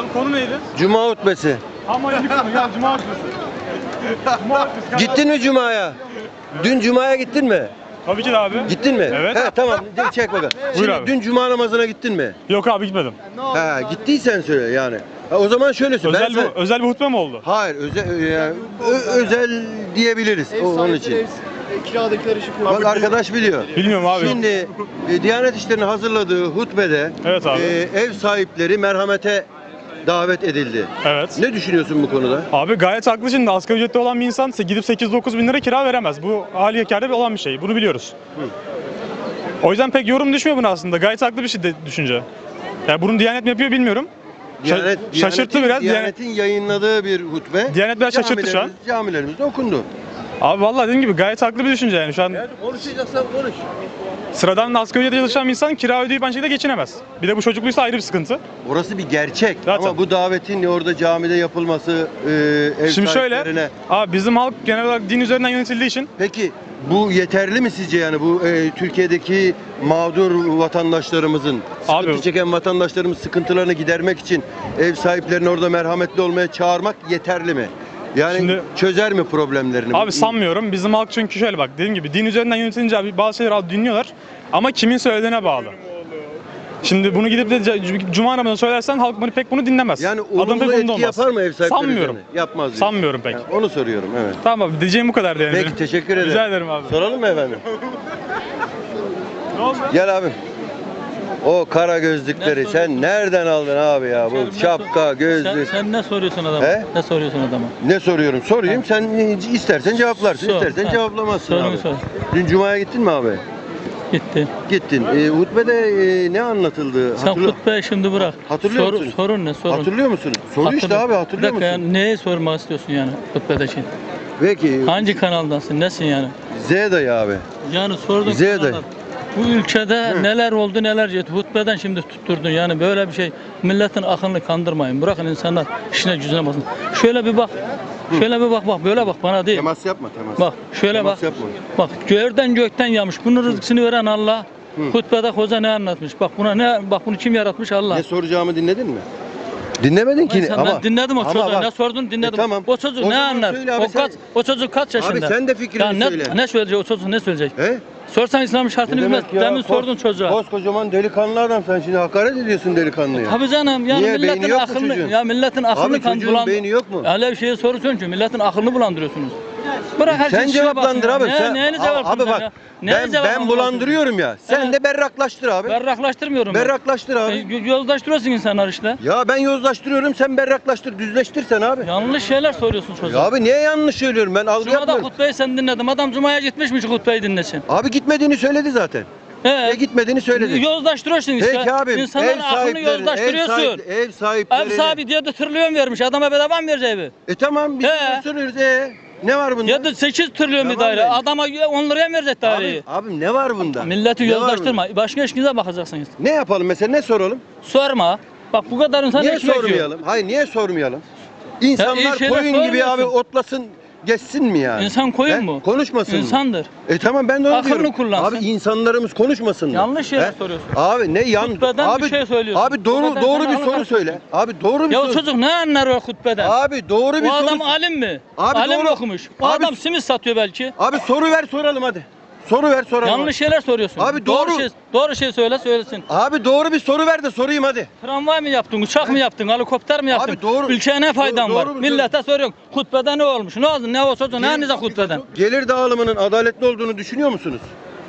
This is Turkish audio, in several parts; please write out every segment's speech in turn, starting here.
Abi konu neydi? Cuma hutbesi. Ama yeni konu ya Cuma hutbesi. Cuma hutbesi. Gittin mi Cuma'ya? Dün Cuma'ya gittin mi? Tabii ki de abi. Gittin mi? Evet. He, tamam çek bakalım. Şimdi abi. dün Cuma namazına gittin mi? Yok abi gitmedim. He, gittiysen söyle yani. Ha, o zaman şöyle söyle. Özel bir hutbe mi oldu? Hayır, özel diyebiliriz onun için. Kiradakiler işi Bak arkadaş biliyor. Bilmiyorum abi. Şimdi Diyanet İşleri'nin hazırladığı hutbede Evet abi. ev sahipleri merhamete davet edildi. Evet. Ne düşünüyorsun bu konuda? Abi gayet haklı, şimdi asgari ücretli olan bir insan gidip 8-9 bin lira kira veremez. Bu hali yekarda olan bir şey. Bunu biliyoruz. O yüzden pek yorum düşmüyor buna aslında. Gayet haklı bir şey düşünce. Yani bunu Diyanet mi yapıyor bilmiyorum. Şaşırttı biraz. Diyanet'in yayınladığı bir hutbe. Diyanet biraz şaşırttı şu an. Camilerimizde okundu. Abi vallahi dediğim gibi gayet haklı bir düşünce yani şu an. konuşacaksan konuş. Sıradan asgari ücretle çalışan bir insan kira ödeyip aynı şekilde geçinemez. Bir de bu çocukluysa ayrı bir sıkıntı. Orası bir gerçek. Zaten. Ama bu davetin orada camide yapılması ev Şimdi şöyle, sahiplerine. abi bizim halk genel olarak din üzerinden yönetildiği için Peki bu yeterli mi sizce yani bu Türkiye'deki mağdur vatandaşlarımızın, sıkıntı çeken vatandaşlarımız sıkıntılarını gidermek için ev sahiplerini orada merhametli olmaya çağırmak yeterli mi? Yani Şimdi, çözer mi problemlerini? Abi sanmıyorum. Bizim halk çünkü şöyle bak, dediğim gibi din üzerinden yönetilince abi bazı şeyleri abi dinliyorlar ama kimin söylediğine bağlı. Şimdi bunu gidip de Cuma namazına söylersen halk bunu dinlemez. Yani olumlu etki yapar mı ev sahipleri? Sanmıyorum. Üzerine? Yapmaz diyorsun. Sanmıyorum pek. Yani onu soruyorum, evet. Tamam abi, diyeceğim bu kadar yani. Peki teşekkür ederim. Rica ederim abi. Soralım mı efendim? Ne oldu? Gel abim. O kara gözlükleri sen nereden aldın abi ya? Bu şapka, gözlük. Sen ne soruyorsun adama? He? Ne soruyorsun adama? Ne soruyorum? Sorayım. Sen istersen cevaplarsın, Sor. istersen Ha. cevaplamazsın Sorunu abi. sor. Dün Cuma'ya gittin mi abi? Gitti. Gittin. Hutbede ne anlatıldı? Sen hutbeyi şimdi bırak. Hatırlıyor musun? Sorun ne? Sorun. Hatırlıyor musun? Soru işte abi, hatırlıyor Bir dakika musun? yani neyi sormak istiyorsun yani hutbedeki? Peki. Hangi kanaldansın? Nesin yani? Z dayı abi. Yani sordum. Z dayı. Bu ülkede neler oldu neler gitti. Hutbeden şimdi tutturdun yani böyle bir şey. Milletin aklını kandırmayın. Bırakın insanlar işine gücüne basın. Şöyle bir bak. Şöyle bir bak böyle bak bana değil. Temas yapma, temas. Bak şöyle Temas bak. yapma. Bak gökten yağmış. Bunun rızkını veren Allah. Hutbede hoca ne anlatmış? Bak bunu kim yaratmış? Allah. Ne soracağımı dinledin mi? Dinlemedin ki Ben dinledim o çocuğu. bak, Ne sordun dinledim. tamam. O çocuk O ne zaman anlar? söyle abi, O çocuk kaç yaşında? Abi sen de fikrini Ya söyle. ne söyleyecek o çocuk ne söyleyecek? He? Sorsan İslam'ın şartını Ne bilmez. demek ya? Demin sordun çocuğa. Koskocaman delikanlı adam, sen şimdi hakaret ediyorsun delikanlıya. Tabii canım yani Niye? Beyni milletin yok mu aklını çocuğun? milletin Abi aklını çocuğun beyni yok mu? Öyle bir şeye soruyorsun ki milletin aklını bulandırıyorsunuz. Bırak her Sen şeyi cevaplandır abi. Neyini Abi bak, ben bulandırıyorum ya. Sen Evet. de berraklaştır abi. Berraklaştırmıyorum ben. Berraklaştır abi. Yozlaştırıyorsun insanlar işte. Ya ben yozlaştırıyorum, sen berraklaştır, düzleştir sen abi. Yanlış şeyler soruyorsun Ya çocuğa. abi niye yanlış söylüyorum, ben algı Cuma'da yapmıyorum. hutbeyi sen dinledim. Adam Cuma'ya gitmiş mi hutbeyi dinlesin? Abi gitmediğini söyledi zaten. Ya gitmediğini söyledi. Yozlaştırıyorsun işte. Peki abi, İnsanların aklını yozlaştırıyorsun. ev sahipleri. Ev sahibi diye de trilyon vermiş. Adama bedava mı verecek evi? Tamam biz He. soruyoruz. Ne var bunda? Ya da 8 trilyon bir Tamam daire. yani. Adama 10 liraya mı verecek daireyi? Abi ne var bunda? Milleti Ne var yozlaştırma. Başka işinize bakacaksınız. bunda? Ne yapalım mesela, ne soralım? Sorma. Bak bu kadar insan Niye ekmek yiyor. sormayalım? Hayır, niye sormayalım? İnsanlar iyi şeyler koyun gibi abi sormuyorsun. otlasın, geçsin mi yani? İnsan koyun He? mu? Konuşmasın mı? İnsandır. Tamam, ben de onu Aklını diyorum. kullansın. Abi insanlarımız konuşmasın mı? Yanlış şeyler He? soruyorsun. Abi ne Hutbeden abi, bir şey söylüyorsun. Abi doğru Hutbeden doğru sen bir soru anlamazsın. söyle. Abi doğru bir Ya o soru. çocuk ne anlar o hutbeden? Abi doğru bir O soru. adam alim mi? Abi Alim doğru. mi okumuş? O Abi- adam simit satıyor belki. Abi soru ver soralım hadi. Soru ver soralım. Yanlış şeyler soruyorsun. Abi doğru. Doğru şey söylesin. Abi doğru bir soru ver de sorayım hadi. Tramvay mı yaptın, uçak mı yaptın, helikopter mi yaptın? Abi doğru. Ülkeye ne faydan Doğru var? mu Millete soruyorsun. Hutbede ne olmuş? Ne oldu? Ne o çocuk? Ne anlayacak hutbeden? Gelir dağılımının adaletli olduğunu düşünüyor musunuz?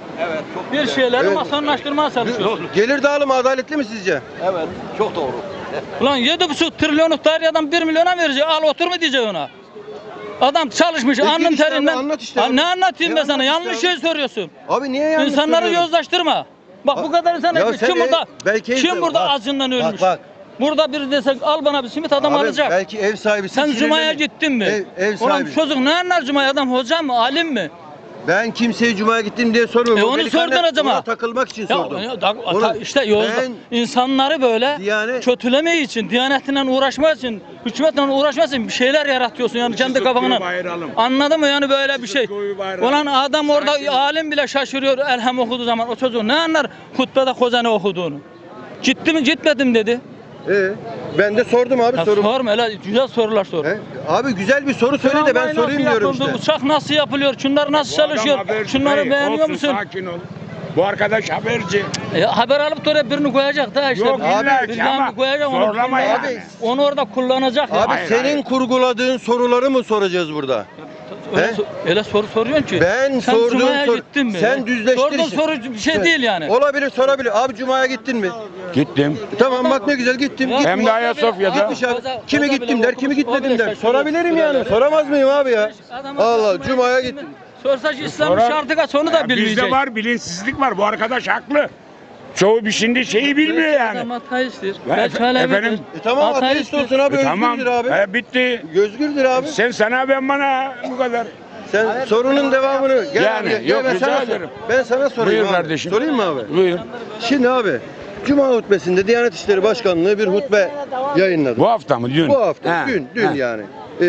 Bir şeyleri Evet. masonlaştırmaya çalışıyorsun. Gelir dağılımı adaletli mi sizce? Evet, çok doğru. Ulan 7,5 trilyonluk daireden 1 milyona verecek. Al otur mu diyecek ona? Adam çalışmış Peki alnın işte abi, terinden. anlat işte Ha, abi. ne anlatayım Ne ben sana? anlat işte Yanlış abi? şey soruyorsun. Abi niye yanlış İnsanları söylüyorum? yozlaştırma. Bak bu kadar insan Ya ekmek. sen Kim burada? belki Kim burada bak, acından ölmüş? Bak. Burada biri desek al bana bir simit adam Abi, alacak. belki ev sahibi Sen Cuma'ya gittin mi? Ev Ulan sahibi. çocuk ne anlar Cuma'ya? Adam hoca mı? Alim mi? Ben kimseye Cuma'ya gittim diye sormuyorum. O Onu delikanlı sordun acaba. ona takılmak için sordum. İşte yolda ben- insanları böyle kötülemeyi için, Diyanetinden uğraşmak için, hükümetle uğraşmak için bir şeyler yaratıyorsun yani kendi kafanla. Anladın mı yani böyle bir şey? Ulan adam orada alim bile şaşırıyor elham okuduğu zaman o çocuğu ne anlar hutbede hoca ne okuduğunu. Gitti mi gitmedim dedi. Ben de sordum abi Ya sorumu. sorma öyle güzel sorular sor. Abi güzel bir soru söyle de ben Tramvay sorayım nasıl diyorum yapıldı, işte. Uçak nasıl yapılıyor? Şunlar nasıl çalışıyor? Şunları beğeniyor musun? Sakin ol. Bu arkadaş haberci. Haber alıp da oraya birini koyacak da işte. Yok, illa ki birini ama koyacak, zorlama onu, yani. onu orada kullanacak. ya. Abi Hayır, senin hayır. kurguladığın soruları mı soracağız burada? Öyle, He? öyle soru soruyorsun ki. Ben Sen sorduğum Cuma'ya soru. gittin mi? Sen düzleştir Sorduğun işi. soru bir şey değil yani. Olabilir, sorabilir. Abi Cuma'ya gittin mi? Gittim. Tamam bak ne güzel gittim. Ya, Hem de Ayasofya'da. Gitmiş abi. Koza- Kimi koza gittim bile der, kimi okumuş, o gitmedim bile der. şaşırıyor. Sorabilirim yani. Öyle. Soramaz mıyım abi ya? Adam Allah Cuma'ya gittim. Sorsa İslam'ın Sorar. şartı kaç onu da Ya bilmeyecek. bizde var, bilinçsizlik var. Bu arkadaş haklı. Çoğu bir şimdi şeyi bilmiyor yani. Adam ateisttir. Ya Belki efendim? Alevidir. Tamam ateist olsun abi, Tamam. özgürdür abi. Bitti. Özgürdür abi. Sen sana ben bana bu kadar. Sen sorunun devamını gel Yani, abi, yok, ben rica sana ederim. Ben sana sorayım Buyur abi. kardeşim. Sorayım mı abi? Buyur. Şimdi abi Cuma hutbesinde Diyanet İşleri Başkanlığı bir hutbe yayınladı. Bu hafta mı? Dün. Bu hafta, He, dün he. yani.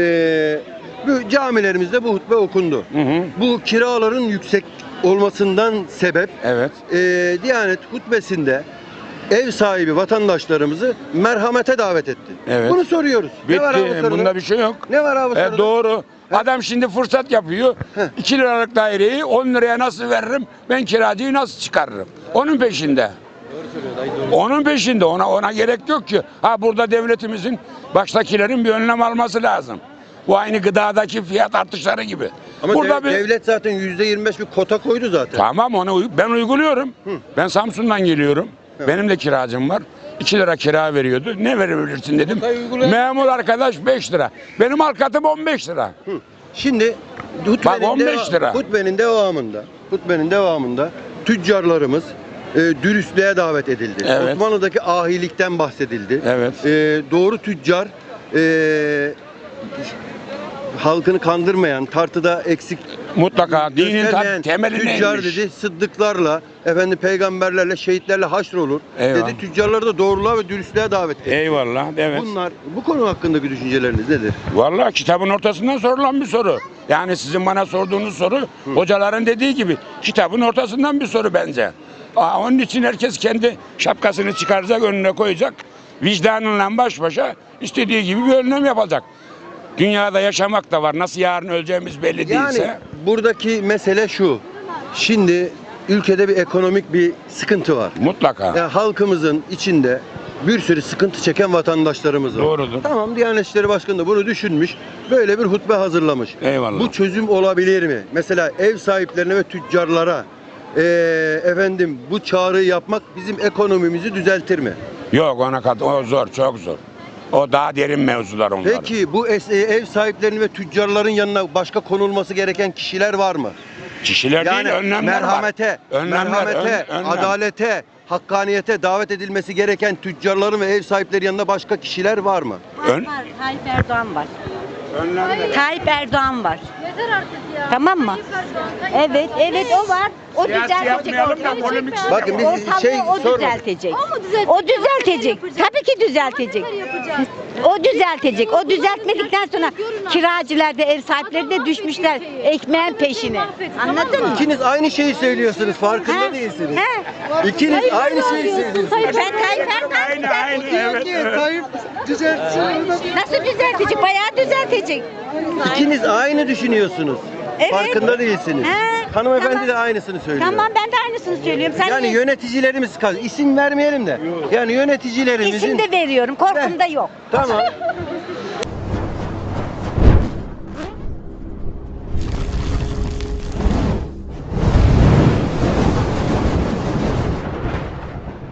Bu camilerimizde bu hutbe okundu. Hı hı. Bu kiraların yüksek olmasından sebep Evet. Diyanet hutbesinde ev sahibi vatandaşlarımızı merhamete davet etti. Evet. Bunu soruyoruz. Ne var abi Bitti. soruda? Bunda bir şey yok. Ne var abi soruda? Doğru. Adam şimdi fırsat yapıyor. 2 liralık daireyi 10 liraya nasıl veririm? Ben kiracıyı nasıl çıkarırım? Onun peşinde. Onun peşinde. Ona gerek yok ki. Ha burada devletimizin baştakilerin bir önlem alması lazım. Bu aynı gıdadaki fiyat artışları gibi. Ama burada devlet zaten %25 bir kota koydu zaten. Tamam ben uyguluyorum. Ben Samsun'dan geliyorum. Benim de kiracım var. 2 lira kira veriyordu. Ne verebilirsin dedim. Memur arkadaş 5 lira. Benim alkatım 15 lira. Şimdi Bak, 15 lira. hutbenin devamında tüccarlarımız dürüstlüğe davet edildi. Evet. Osmanlı'daki ahilikten bahsedildi. Evet. Doğru tüccar halkını kandırmayan, tartıda eksik Mutlaka dinin göstermeyen temeli tüccar neymiş? dedi, sıddıklarla, peygamberlerle, şehitlerle haşrolur. Eyvallah. Dedi, tüccarları da doğruluğa ve dürüstlüğe davet etti. Eyvallah. Evet. Bu konu hakkındaki düşünceleriniz nedir? Vallahi kitabın ortasından sorulan bir soru. Yani sizin bana sorduğunuz soru hocaların dediği gibi kitabın ortasından bir soru bence. Onun için herkes kendi şapkasını çıkaracak, önüne koyacak. Vicdanınla baş başa istediği gibi bir önlem yapacak. Dünyada yaşamak da var. Nasıl yarın öleceğimiz belli Yani değilse. buradaki mesele şu. Şimdi ülkede bir ekonomik bir sıkıntı var. Mutlaka. Yani halkımızın içinde bir sürü sıkıntı çeken vatandaşlarımız var. Doğrudur. Tamam, Diyanet İşleri Başkanı da bunu düşünmüş. Böyle bir hutbe hazırlamış. Eyvallah. Bu çözüm olabilir mi? Mesela ev sahiplerine ve tüccarlara bu çağrıyı yapmak bizim ekonomimizi düzeltir mi? Yok o zor, çok zor. O daha derin mevzular onlar. Peki bu ev sahiplerinin ve tüccarların yanına başka konulması gereken kişiler var mı? Kişiler Yani değil, önlemler merhamete, var. Önlemler, merhamete, önlem. adalete, hakkaniyete davet edilmesi gereken tüccarların ve ev sahipleri yanında başka kişiler var mı? Ön- Var, Tayyip Erdoğan var. Önlemler. Tayyip Erdoğan var. Yeter artık ya. Tamam mı? Evet o var. O Siyasi düzeltecek yapmayalım da ortalığı. polemik. Bakın biz Ortalığı o sormadık. düzeltecek. O mu düzeltecek? O düzeltecek. Yapacak. Tabii ki düzeltecek. Ne yapacağız? O düzeltecek. O düzeltmekten sonra kiracılar da ev sahipleri de düşmüşler ekmeğin peşine. Anladın mı? İkiniz aynı şeyi söylüyorsunuz, farkında Ha? değilsiniz. He? İkiniz aynı şeyi söylüyorsunuz. Ben Tayyip Erdoğan Aynı. Evet. nasıl düzeltecek? Bayağı düzeltecek. İkiniz aynı düşünüyorsunuz. Evet. Farkında değilsiniz. He, Hanımefendi tamam. de aynısını söylüyor. Tamam ben de aynısını söylüyorum. Sen Yani niye- yöneticilerimiz isim vermeyelim de. Yani yöneticilerimizin İsim de veriyorum. Korkum da yok. Tamam.